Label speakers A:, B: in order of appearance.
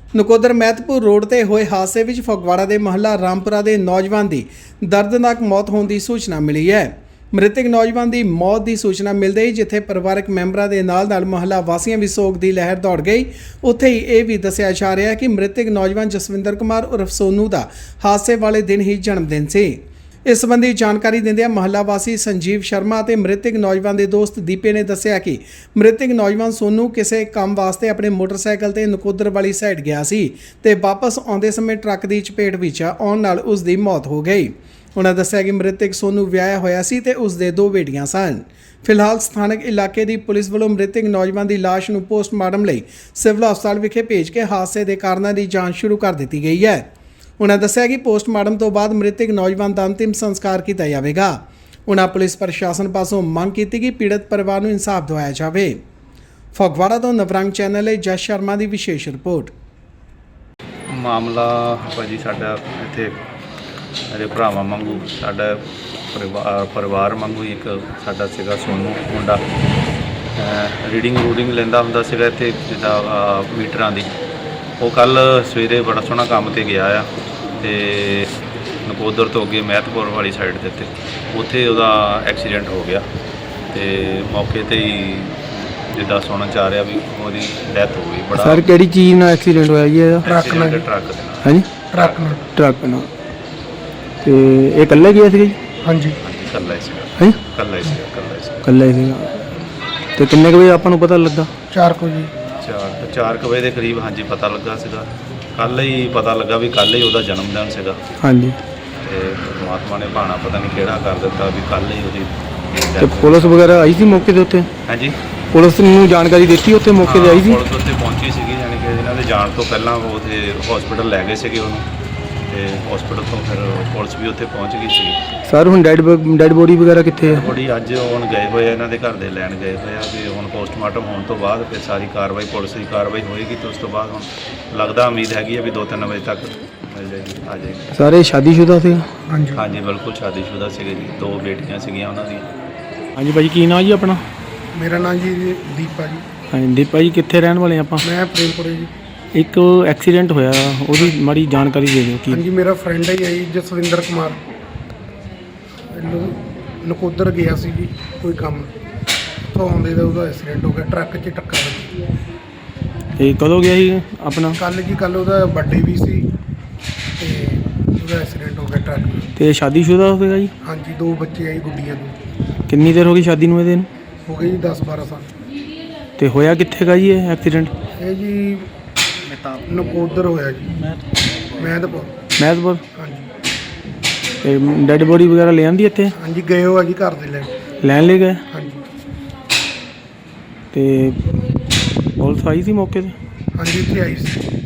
A: Nakodar Mehatpur road ਤੇ ਹੋਏ ਹਾਦਸੇ ਵਿੱਚ ਫਗਵਾੜਾ ਦੇ ਮਹੱਲਾ ਰਾਮਪੁਰਾ ਦੇ ਨੌਜਵਾਨ ਦੀ ਦਰਦਨਾਕ ਮੌਤ ਹੋਣ ਦੀ ਸੂਚਨਾ ਮਿਲੀ ਹੈ। ਮ੍ਰਿਤਕ ਨੌਜਵਾਨ ਦੀ ਮੌਤ ਦੀ ਸੂਚਨਾ ਮਿਲਦੇ ਹੀ ਜਿੱਥੇ ਪਰਿਵਾਰਕ ਮੈਂਬਰਾਂ ਦੇ ਨਾਲ ਮਹੱਲਾ ਵਾਸੀਆਂ ਵੀ ਸੋਗ ਦੀ ਲਹਿਰ ਦੌੜ ਗਈ, ਉੱਥੇ ਹੀ ਇਹ ਵੀ ਦੱਸਿਆ ਜਾ ਰਿਹਾ ਹੈ ਕਿ ਮ੍ਰਿਤਕ ਨੌਜਵਾਨ ਜਸਵਿੰਦਰ ਕੁਮਾਰ ਉਰਫ ਸੋਨੂ ਦਾ ਹਾਦਸੇ ਵਾਲੇ ਦਿਨ ਹੀ ਜਨਮ ਦਿਨ ਸੀ। ਇਸ ਸੰਬੰਧੀ ਜਾਣਕਾਰੀ ਦਿੰਦਿਆਂ ਮਹੱਲਾ ਵਾਸੀ ਸੰਜੀਵ ਸ਼ਰਮਾ ਅਤੇ ਮ੍ਰਿਤਕ ਨੌਜਵਾਨ ਦੇ ਦੋਸਤ ਦੀਪੇ ਨੇ ਦੱਸਿਆ ਕਿ ਮ੍ਰਿਤਕ ਨੌਜਵਾਨ ਸੋਨੂ ਕਿਸੇ ਕੰਮ ਵਾਸਤੇ ਆਪਣੇ ਮੋਟਰਸਾਈਕਲ ਤੇ ਨਕੋਦਰ ਵਾਲੀ ਸਾਈਡ ਗਿਆ ਸੀ ਤੇ ਵਾਪਸ ਆਉਂਦੇ ਸਮੇਂ ਟਰੱਕ ਦੀ ਚਪੇਟ ਵਿੱਚ ਆਉਣ ਨਾਲ ਉਸ ਦੀ ਮੌਤ ਹੋ ਗਈ। ਉਹਨਾਂ ਦੱਸਿਆ ਕਿ ਮ੍ਰਿਤਕ ਸੋਨੂ ਵਿਆਹਿਆ ਹੋਇਆ ਸੀ ਤੇ ਉਸ ਦੇ 2 ਬੇਟੀਆਂ ਸਨ। ਫਿਲਹਾਲ ਸਥਾਨਕ ਇਲਾਕੇ ਦੀ ਪੁਲਿਸ ਵੱਲੋਂ ਮ੍ਰਿਤਕ ਨੌਜਵਾਨ ਦੀ ਲਾਸ਼ ਨੂੰ ਪੋਸਟਮਾਰਟਮ ਲਈ ਸਿਵਲ ਹਸਪਤਾਲ ਵਿਖੇ ਭੇਜ ਕੇ ਹਾਦਸੇ ਦੇ ਕਾਰਨਾਂ ਦੀ ਜਾਂਚ ਸ਼ੁਰੂ ਕਰ ਦਿੱਤੀ ਗਈ ਹੈ। ਉਹਨਾਂ ਦੱਸਿਆ ਕਿ ਪੋਸਟਮਾਰਟਮ ਤੋਂ ਬਾਅਦ ਮ੍ਰਿਤਕ ਨੌਜਵਾਨ ਦਾ ਅੰਤਿਮ ਸੰਸਕਾਰ ਕੀਤਾ ਜਾਵੇਗਾ। ਉਹਨਾਂ ਪੁਲਿਸ ਪ੍ਰਸ਼ਾਸਨ ਪਾਸੋਂ ਮੰਗ ਕੀਤੀ ਕਿ ਪੀੜਤ ਪਰਿਵਾਰ ਨੂੰ ਇਨਸਾਫ ਦਿਵਾਇਆ ਜਾਵੇ। ਫਗਵਾੜਾ ਤੋਂ ਨਵਰੰਗ ਚੈਨਲ ਲਈ ਜਸ ਸ਼ਰਮਾ ਦੀ ਵਿਸ਼ੇਸ਼ ਰਿਪੋਰਟ।
B: ਮਾਮਲਾ ਭਾਜੀ ਸਾਡਾ ਇੱਥੇ ਮੇਰੇ ਭਰਾਵਾਂ ਵਾਂਗੂ ਸਾਡਾ ਪਰਿਵਾਰ ਵਾਂਗੂ ਇੱਕ ਸਾਡਾ ਸੀਗਾ ਸੋਨੂ ਮੁੰਡਾ ਰੀਡਿੰਗ ਲੈਂਦਾ ਹੁੰਦਾ ਸੀਗਾ ਇੱਥੇ ਜਿੱਦਾਂ ਮੀਟਰਾਂ ਦੀ। ਉਹ ਕੱਲ ਸਵੇਰੇ ਬੜਾ ਸੋਹਣਾ ਕੰਮ ਤੇ ਗਿਆ ਆ ਤੇ ਨਕੋਦਰ ਤੋਂ ਅੱਗੇ ਮਹਿਤਪੁਰ ਵਾਲੀ ਸਾਈਡ ਦੇ ਉੱਥੇ ਉਹਦਾ ਐਕਸੀਡੈਂਟ ਹੋ ਗਿਆ ਤੇ ਮੌਕੇ ਤੇ ਹੀ ਜਿੱਦਾਂ ਸੁਣਨ ਚ ਆ ਰਿਹਾ ਵੀ ਉਹਦੀ ਡੈਥ ਹੋ ਗਈ। ਬੜਾ
C: ਸਰ ਕਿਹੜੀ ਚੀਜ਼ ਨਾਲ ਐਕਸੀਡੈਂਟ ਹੋਇਆ ਜੀ ਇਹਦਾ?
B: ਟਰੱਕ ਨਾਲ।
C: ਹਾਂਜੀ ਟਰੱਕ ਨਾਲ। ਤੇ ਇਹ ਇਕੱਲਾ ਗਿਆ ਸੀਗਾ ਜੀ?
B: ਹਾਂਜੀ ਇਕੱਲਾ ਹੀ ਸੀਗਾ।
C: ਹਾਂਜੀ
B: ਇਕੱਲਾ ਹੀ
C: ਸੀਗਾ। ਤੇ ਕਿੰਨੇ ਕੁ ਵਜੇ ਆਪਾਂ ਨੂੰ ਪਤਾ ਲੱਗਾ?
B: 4 ਵਜੇ ਦੇ ਕਰੀਬ ਹਾਂਜੀ ਪਤਾ ਲੱਗਾ ਸੀਗਾ। ਕੱਲ ਹੀ ਪਤਾ ਲੱਗਾ ਵੀ ਕੱਲ ਹੀ ਉਹਦਾ ਜਨਮ ਦਿਨ ਸੀਗਾ।
C: ਹਾਂਜੀ
B: ਤੇ ਪਰਮਾਤਮਾ ਨੇ ਭਾਣਾ ਪਤਾ ਨਹੀਂ ਕਿਹੜਾ ਕਰ ਦਿੱਤਾ ਵੀ ਕੱਲ ਹੀ ਉਹਦੀ
C: ਤੇ ਪੁਲਿਸ ਵਗੈਰਾ ਆਈ ਸੀ ਮੌਕੇ ਦੇ ਉੱਤੇ?
B: ਹਾਂਜੀ
C: ਪੁਲਿਸ ਨੂੰ ਜਾਣਕਾਰੀ ਦਿੱਤੀ ਉੱਥੇ ਮੌਕੇ ਤੇ ਆਈ ਸੀ?
B: ਪੁਲਿਸ ਉੱਥੇ ਪਹੁੰਚੀ ਸੀਗੀ, ਯਾਨੀ ਕਿ ਇਹਨਾਂ ਦੇ ਜਾਣ ਤੋਂ ਪਹਿਲਾਂ ਉਹ ਉੱਥੇ ਹਸਪੀਟਲ ਲੈ ਗਏ ਸੀਗੇ ਉਹਨੂੰ ਤੇ ਹਸਪੀਟਲ ਤੋਂ ਫਿਰ ਪੁਲਿਸ ਵੀ ਉੱਥੇ ਪਹੁੰਚ ਗਈ ਸੀ।
C: ਸਰ ਹੁਣ ਡੈਡ ਬੋਡੀ ਵਗੈਰਾ ਕਿੱਥੇ ਹੈ?
B: ਬੋਡੀ ਅੱਜ ਹੁਣ ਗਏ ਹੋਏ ਆ, ਇਹਨਾਂ ਦੇ ਘਰ ਦੇ ਲੈਣ ਗਏ ਹੋਏ ਆ ਵੀ ਹੁਣ ਪੋਸਟਮਾਰਟਮ ਹੋਣ ਤੋਂ ਬਾਅਦ ਫਿਰ ਸਾਰੀ ਕਾਰਵਾਈ ਪੁਲਿਸ ਦੀ ਕਾਰਵਾਈ ਹੋਏਗੀ ਤੇ ਉਸ ਤੋਂ ਬਾਅਦ ਹੁਣ ਲੱਗਦਾ ਉਮੀਦ ਹੈਗੀ ਹੈ ਵੀ 2-3 ਵਜੇ ਤੱਕ ਮਿਲ ਜਾਏਗੀ, ਆ ਜਾਏਗੀ।
C: ਸਾਰੇ ਸ਼ਾਦੀशुदा ਸੀ?
B: ਹਾਂਜੀ ਬਿਲਕੁਲ ਸ਼ਾਦੀशुदा ਸੀਗੇ ਜੀ, 2 ਬੇਟੀਆਂ ਸੀਗੀਆਂ ਉਹਨਾਂ ਦੀਆਂ।
C: ਹਾਂਜੀ ਭਾਜੀ ਕੀ ਨਾਮ ਜੀ ਆਪਣਾ?
D: ਮੇਰਾ ਨਾਮ ਜੀ ਦੀਪਾ ਜੀ।
C: ਹਾਂਜੀ ਦੀਪਾ ਜੀ ਕਿੱਥੇ ਰਹਿਣ ਵਾਲੇ ਆਪਾਂ?
D: ਮੈਂ ਪ੍ਰੇਮਪੁਰੇ ਜੀ।
C: ਇੱਕ ਐਕਸੀਡੈਂਟ ਹੋਇਆ ਉਹਦੀ ਮਾੜੀ ਜਾਣਕਾਰੀ ਦੇ ਦਿਓ। ਕੀ?
D: ਹਾਂਜੀ ਮੇਰਾ ਫਰੈਂਡ ਹੈ ਜੀ ਜਸਵਿੰਦਰ ਕੁਮਾਰ, ਨਕੋਦਰ ਗਿਆ ਸੀ ਜੀ ਕੋਈ ਕੰਮ ਤੋਂ ਆਉਂਦੇ ਦਾ ਉਹਦਾ ਐਕਸੀਡੈਂਟ ਹੋ ਗਿਆ, ਟਰੱਕ 'ਚ ਟੱਕਰ ਲੱਗੀ।
C: ਇਹ ਕਦੋਂ ਗਿਆ ਸੀ ਆਪਣਾ?
D: ਕੱਲ ਉਹਦਾ ਬਰਥਡੇ ਵੀ ਸੀ ਤੇ ਉਹਦਾ ਐਕਸੀਡੈਂਟ ਹੋ ਗਿਆ ਟਰੱਕ ਨਾਲ।
C: ਤੇ ਸ਼ਾਦੀशुदा ਹੋਵੇਗਾ ਜੀ?
D: ਹਾਂਜੀ 2 ਬੱਚੇ ਆਈ ਗੁੱਡੀਆਂ ਨੂੰ।
C: ਕਿੰਨੀ ਦੇਰ ਹੋ ਗਈ ਸ਼ਾਦੀ ਨੂੰ ਇਹਦੇ ਨੂੰ?
D: ਹੋ ਗਈ ਜੀ 10-12 ਸਾਲ।
C: ਤੇ ਹੋਇਆ ਕਿੱਥੇ ਗਾ ਜੀ ਇਹ ਐਕਸੀਡੈਂਟ?
D: ਇਹ ਜੀ ਨਕੋਦਰ ਹੋਇਆ ਜੀ, ਮਹਿਤਪੁਰ। ਹਾਂਜੀ
C: ਤੇ ਡੈਡ ਬੋਡੀ ਵਗੈਰਾ ਲੈ ਆਂਦੀ ਇੱਥੇ?
D: ਹਾਂਜੀ ਗਏ ਹੋ ਆ ਜੀ ਘਰ ਦੇ
C: ਲੈਣ ਲੈ ਗਏ?
D: ਹਾਂਜੀ।
C: ਤੇ ਪੁਲਿਸ ਆਈ ਸੀ ਮੌਕੇ ਤੇ?
D: ਹਾਂਜੀ ਇੱਥੇ ਆਈ ਸੀ।